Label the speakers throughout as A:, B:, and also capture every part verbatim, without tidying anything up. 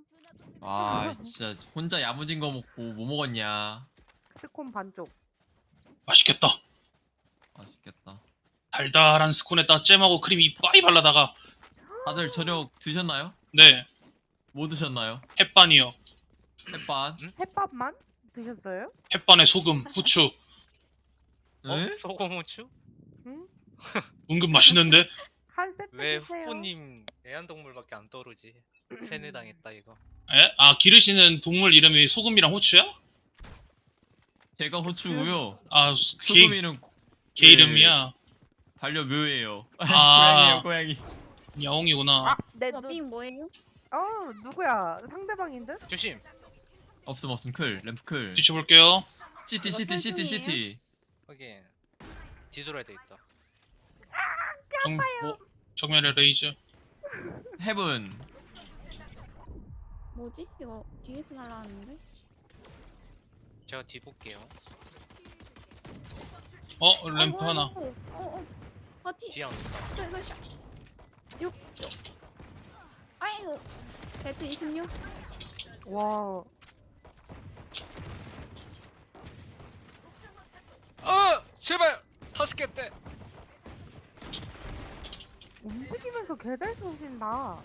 A: 아 진짜 혼자 야무진 거 먹고 뭐 먹었냐.
B: 스콘 반쪽.
C: 맛있겠다.
A: 맛있겠다.
C: 달달한 스콘에다 잼하고 크림 이빠이 발라다가.
A: 다들 저녁 드셨나요?
C: 네,
A: 뭐 드셨나요?
C: 햇반이요.
A: 햇반?
B: 햇밥만 드셨어요?
C: 햇반에 소금, 후추.
D: 어?
A: 에?
D: 소금 후추?
B: 응?
C: 은근 맛있는데?
B: 한 세트
D: 왜
B: 주세요.
D: 후보님 애완동물밖에 안 떠오르지? 세뇌당했다 이거.
C: 에? 아, 기르시는 동물 이름이 소금이랑 후추야?
A: 제가 호추고요.
C: 아, 개,
A: 소금이는
C: 개 이름이야.
A: 반려묘예요.
C: 아.
A: 고양이에요, 고양이.
C: 야옹이구나.
B: 아, 내 눈.
E: 저빙 뭐예요?
B: 어, 누구야? 상대방인 듯?
D: 조심.
A: 없음 없음 클 램프 클.
C: 뒤쳐볼게요.
A: 시티
E: 이거
A: 시티 시티
E: 썰중이에요?
A: 시티.
D: 확인. 뒤돌아야 돼 있다.
C: 정,
A: 뭐
C: 정면에 레이저.
A: 헤븐.
E: 뭐지? 이거 뒤에서 날라왔는데?
D: 제가 뒤 볼게요.
C: 어, 램프
E: 아이고,
C: 하나.
E: 아이고, 어, 어. 아, 뒤.
D: 뒤에 안 온다.
E: 이거, 이거, 샷. 육. 아이고. 배트 이십육.
B: 와,
D: 어! 제발! 다섯 개 때!
B: 움직이면서 개잘 쏘신다.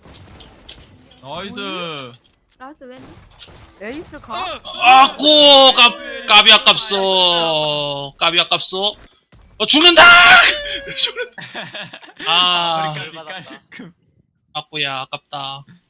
A: 나이스.
E: 라스 왼.
B: 에이스
D: 어!
B: 가?
C: 아꼬! 깝, 까비 아깝소. 까비 아깝소. 어, 죽는다! 죽는다. 아,
A: 머리까지
D: 맞았다.
A: 깔끔.
C: 아꼬야, 아깝다.